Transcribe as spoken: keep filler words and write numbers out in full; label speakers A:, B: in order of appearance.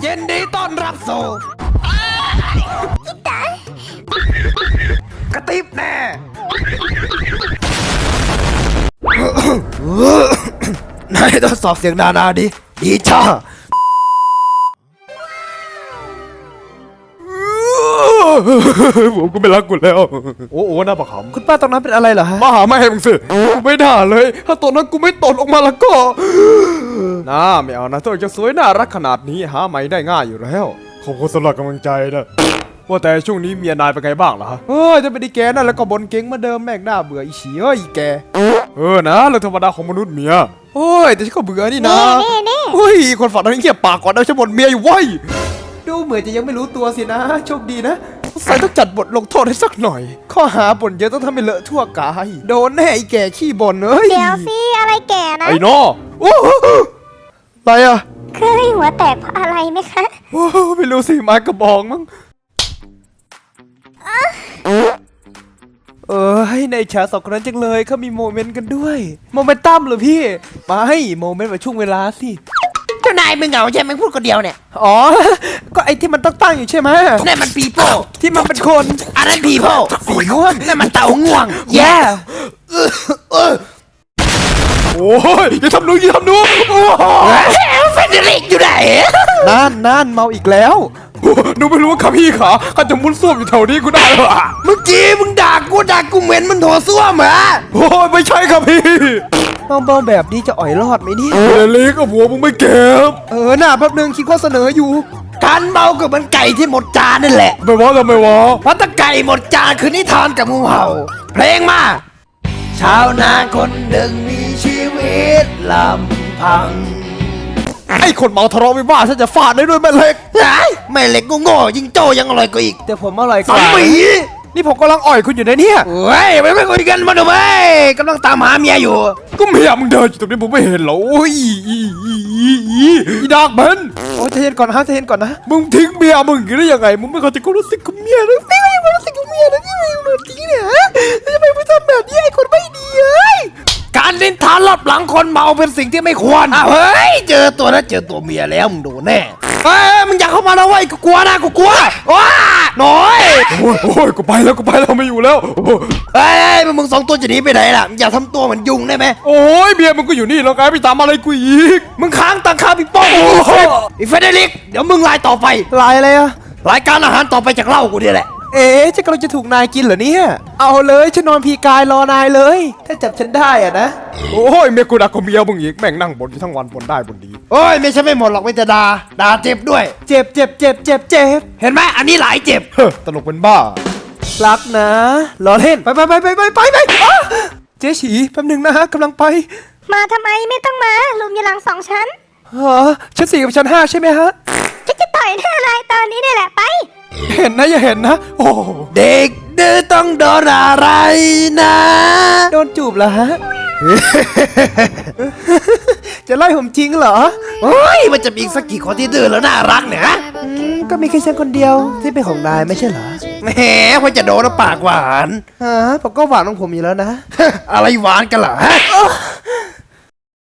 A: ยินดีต้อนรับสู่กระติบแน่นายทดสอบเสียงนานาดิดีจ้าผมก็ไม่รักกูแล้วโอ้โหน่าประคำคุณป้าตรงนั้นเป็นอะไรเหรอฮะมาหาแม่มึงสิกูไม่ด่าเลยถ้าตัวนั้นกูไม่ตดออกมาแล้วก็น่าไม่เอานะตัวจะสวยน่ารักขนาดนี้หาไม่ได้ง่ายอยู่แล้วขอบคุณสำหรับกำลังใจนะว่าแต่ช่วงนี้เมียนายเป็นไงบ้างล่ะเฮ้ยจะไปดีแกนั่นแล้วก็บนเก่งมาเดิมแม่งหน้าเบื่ออีฉีเฮ้ยแกเออนะเรื่องธรรมดาของมนุษย์เมียโอ้ยแต่ฉันก็เบื่อนี่นะเฮ้ยคนฝันนั้นเงียบปากก่อนนะฉันบ่นเมียอยู่ว้ยดูเหมือนจะยังไม่รู้ตัวสินะโชคดีนะใส่ต้องจัดบทลงโทษให้สักหน่อยข้อหาบ่นเยอะต้องทำให้เลอะทั่วกายโดนแน่ไอ้แก่ขี้บ่นเอ้ย
B: เดี๋ยวสิอะไรแก่นะ
A: ไอ้นอโอ้อะไรอะ
B: เคยหัวแตกเพราะอะไรไหมคะ
A: โอ้ไม่รู้สิไม้กระบองมั้งเออให้ในฉากสองคนนั้นจังเลยเขามีโมเมนต์กันด้วยโมเมนตัมเหรอพี่มาให้โมเมนต์แบบช่วงเวลาสิ
C: เจ้านายมึงเหงาใช่ไหมพูดคนเดียวเนี่ย
A: อ๋อก็ไอ้ที่มันตั้งๆอยู่ใช่ไหม
C: นั่นมันปีโป้
A: ที่มันเป็นคน
C: อันนั้นพีโป้
A: สีม่วง
C: นั่นมันเต่าง่วง
A: แย่โอ้ยอย่าทำหนูอย่าทำหนู
C: เฟเดริกอยู่ไหน
A: นั่นนั่นเมาอีกแล้วหนูไม่รู้ว่าขาพี่ขาเขาจะมุดส้วมอยู่แถวนี้กูได้เหรอ
C: เมื่อกี้มึงด่ากูด่ากูเหม็นมันโถส้วมเหรอ
A: โอ้ยไม่ใช่ครับพี่เบาๆแบบนี้จะอ่อยรอดไหมเนี่ยเดลิกับหัวมึงไม่เก็บเออหน้าแป๊บนึงคิดข้อเสนออยู่
C: การเมาก็เหมือนไก่ที่หมดจานนั่นแหละ
A: ไม่ว่าทำไมวะ
C: เพราะถ้าไก่หมดจานคือนิทานกับงูเห่าเพลงมาชาวนาคนหนึ่งมีชีวิตลำพัง
A: ไอ้คนเมาทะเลาะวิวาทฉันจะฟาดได้ด้วยแม่เหล็ก
C: แม่เหล็กโง่ยิงโจยังอร่อยกว่าอีก
A: แต่ผมอร่อยกว่า
C: สามี
A: นี่ผมกำลังอ่อยคุณอยู่นะเนี่ย
C: เฮ้ยไม่ไม่คุยกันมาดูไหมกำลังตามหาเมียอยู่
A: ก็เมียมึงเดินอยู่ตรงนี้ผมไม่เห็นหรอโอ้ยอีดอกมันโอ้ใจเย็นก่อนฮะใจเย็นก่อนนะมึงทิ้งเมียมึงได้ยังไงมึงไม่เข้าใจความรู้สึกของเมียเลยไม่เข้าใจความรู้สึกของเมียนะที่มึงทิ้งเนี่ยทำไมมึงทำแบบนี้ไอ้คนไม่ดีเอ้ย
C: การลิ้นทานรอบหลังคนเมาเป็นสิ่งที่ไม่ควรเฮ้ยเจอตัวนะเจอตัวเมียแล้วมึงโดนแน่เฮ้ยมึงอยากเข้ามาแล้วเว้ยกูกลัวนะกูกลัวว้าน้อย
A: โอ้ยโอ้ยกูไปแล้วกูไปแล้วไม่อยู่แล้ว
C: เฮ้ยมึงสองตัวจะหนีไปไหนล่ะอย่าทำตัวเหมือนยุงได้ไหม
A: โอ้ยเมียมึงก็อยู่นี่แล้วไงไปตามอะไรกูอีก
C: มึงค้างตังค่าพี่ป้องไอ้เฟเดริกเดี๋ยวมึงไล่ต่อไป
A: ไล่อะไรอะ
C: รายการอาหารต่อไปจากเล่ากูนี่แหละ
A: เอ๊ะจะกำลังจะถูกนายกินเหรอเนี่ยเอาเลยฉันนอนพีกายรอนายเลยถ้าจับฉันได้อะนะโอ้ยเมียกูด่ากูเมียมึงอีกแม่งนั่งบ่นอยู่ทั้งวันบ่นได้บ่นดี
C: โอ้ยไม่ใช่ไม่หมดหรอกไม่จะด่าด่าเจ็บด้วย
A: เจ็บเจ็บเจ็บเจ็บเจ็บ
C: เห็นไหมอันนี้หลายเจ็บ
A: เฮ้ตลกเป็นบ้ารักนะรอเล่นไปไปไปไปไปไปไปเจ๊ฉีแป๊บนึงนะฮะกำลังไป
B: มาทำไมไม่ต้องมาลุมอยู่หลังสองชั้น
A: ฮะชั้นสี่กับชั้นห้าใช่ไหมฮะ
B: ฉันจะต่อยหน้านายตอนนี้นี่แหละไป
A: เห็นนะอย่าเห็นนะโอ้
C: เด็กดื้อต้องโดนอะไรนะ
A: โดนจูบเหรอฮะจะไล่ผมจริงเหรอ
C: โอ้ยมันจะมีสักกี่คนที่ดื้อแล้วน่ารักเนี่ย
A: ก็มีแค่ฉันคนเดียวที่เป็นของนายไม่ใช่เหรอ
C: แหมพอจะโดนแล้วปากหวาน
A: ฮะผมก็หวานของผมอยู่แล้วนะ
C: อะไรหวานกันเหรอฮะ